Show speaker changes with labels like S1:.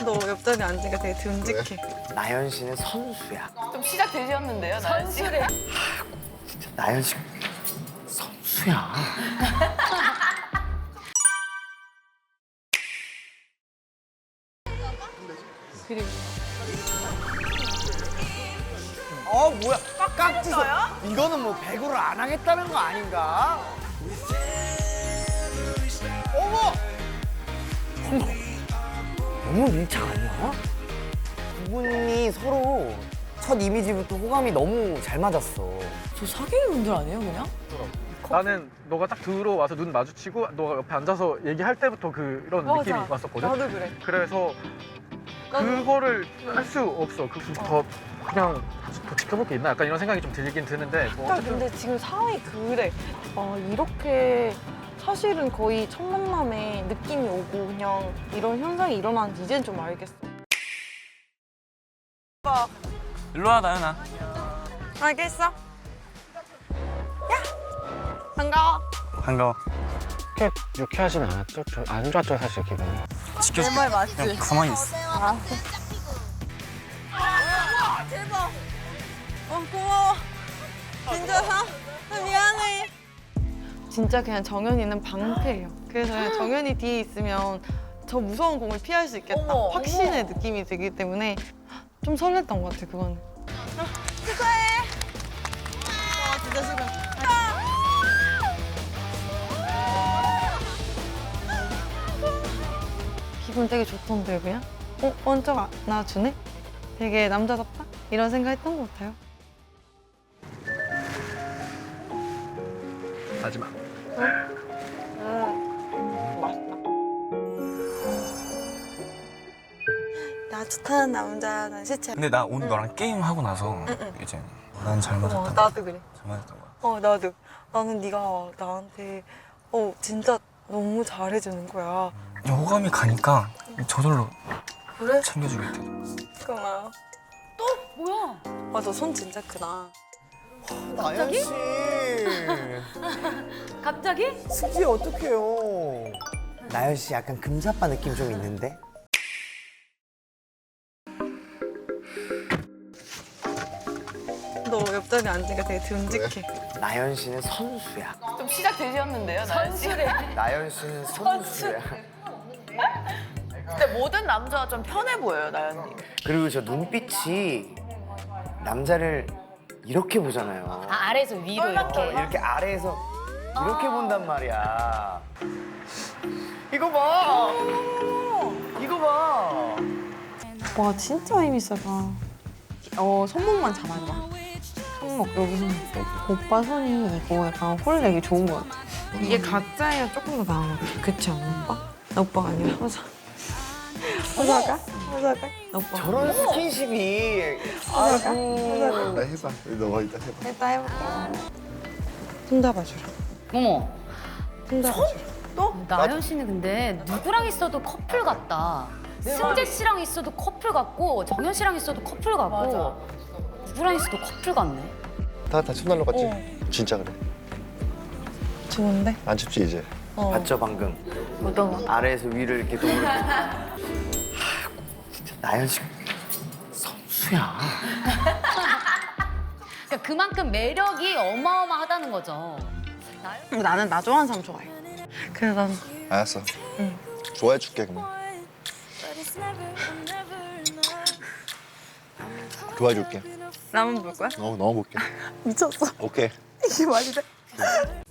S1: 너 옆자리에 앉으니까 되게 듬직해.
S2: 나연 씨는 선수야.
S3: 좀 시작 되셨는데요, 나연 씨? 선수래.
S2: 진짜 나연 씨 선수야.
S1: 그리고
S2: 뭐야? 깍지서. 이거는 뭐 배구를 안 하겠다는 거 아닌가? 어머! 너무 밀착 아니야? 두 분이 서로 첫 이미지부터 호감이 너무 잘 맞았어.
S3: 저 사귀는 분들 아니에요, 그냥?
S4: 나는 너가 딱 들어와서 눈 마주치고 너가 옆에 앉아서 얘기할 때부터 그런 느낌이 왔었거든.
S1: 나도 그래.
S4: 그래서 그거를 할 수 없어. 더 그냥 더 지켜볼 게 있나? 약간 이런 생각이 좀 들긴 드는데 뭐
S1: 딱 근데 지금 상황이 그래. 이렇게 사실은 거의 첫 만남에 느낌이 오고 그냥 이런 현상이 일어나는지 이젠 좀 알겠어.
S5: 일로 와, 나연아.
S1: 알겠어. 야! 반가워.
S5: 반가워.
S4: 그렇게 유쾌하진 않았죠? 안 좋았죠, 사실 기분이.
S5: 지켜줄게.
S1: 내 말 맞지?
S5: 그냥 가만히 있어.
S1: 대박. 고마워. 진짜 미안해. 진짜 그냥 정연이는 방패예요. 그래서 그냥 정연이 뒤에 있으면 저 무서운 공을 피할 수 있겠다. 확신의 느낌이 들기 때문에 좀 설렜던 것 같아, 그거는. 축하해. 와, 진짜 싫어. 기분 되게 좋던데, 그냥? 번쩍 안아주네? 되게 남자답다? 이런 생각 했던 것 같아요.
S4: 하지 마.
S1: 나 좋다는 남자, 난 시체.
S5: 근데 나 오늘 너랑 게임하고 나서 이제 난 잘 맞았다.
S1: 나도 그래.
S5: 잘 맞았던 거야.
S1: 나도. 나는 네가 나한테 진짜 너무 잘해주는 거야.
S5: 호감이 가니까 저절로
S1: 그래?
S5: 챙겨주게 돼.
S1: 고마워.
S3: 뭐야?
S1: 너 손 진짜 크다.
S2: 나연 씨.
S3: 갑자기?
S2: 승지 어떡해요. 나연 씨 약간 금사빠 느낌 좀 있는데?
S1: 너 옆자리에 앉으니까 되게 듬직해.
S2: 나연 씨는 선수야.
S3: 좀 시작 되셨는데요, 나연 씨? 선수래.
S2: 나연 씨는 선수야.
S3: 근데 모든 남자가 좀 편해 보여요, 나연님.
S2: 그리고 저 눈빛이 남자를 이렇게 보잖아요.
S3: 아래에서 위로 이렇게.
S2: 이렇게 아래에서 이렇게 본단 말이야. 이거 봐. 이거 봐.
S1: 와, 진짜 힘이 세다. 손목만 잡아봐. 손목, 여기 손목. 오빠 손이 이거 약간 홀내기 좋은 것 같아. 이게 가짜야 조금 더 나은 것 같아. 그치 않아, 오빠? 나 오빠가 아니라 화사. 화사가? 화사가? 나 오빠.
S2: 저런 스킨십이.
S1: 화사가?
S6: 나 해봐. 너가 이따 해봐.
S1: 일단 해볼게. 손 잡아주라.
S7: 어머,
S1: 손 잡아주라.
S7: 나연 씨는 근데 누구랑 있어도 커플 같다. 승재 씨랑 있어도 커플 같고 정연 씨랑 있어도 커플 같고 누구랑 있어도 커플 같네.
S6: 다 손 날라갔지? 진짜 그래.
S1: 좋은데?
S6: 안 춥지 이제?
S2: 봤죠 방금?
S1: 어떤 거?
S2: 아래에서 위를 이렇게 동그랗게. 진짜 나연 씨 선수야.
S7: 그러니까 그만큼 매력이 어마어마하다는 거죠.
S1: 나는 나 좋아하는 사람 좋아해. 그래서 난
S6: 알았어.
S1: 응.
S6: 좋아해 줄게 그럼. 좋아해 줄게.
S1: 라면 볼 거야?
S6: 넣어볼게.
S1: 미쳤어.
S6: 오케이.
S1: 이게 말이 돼?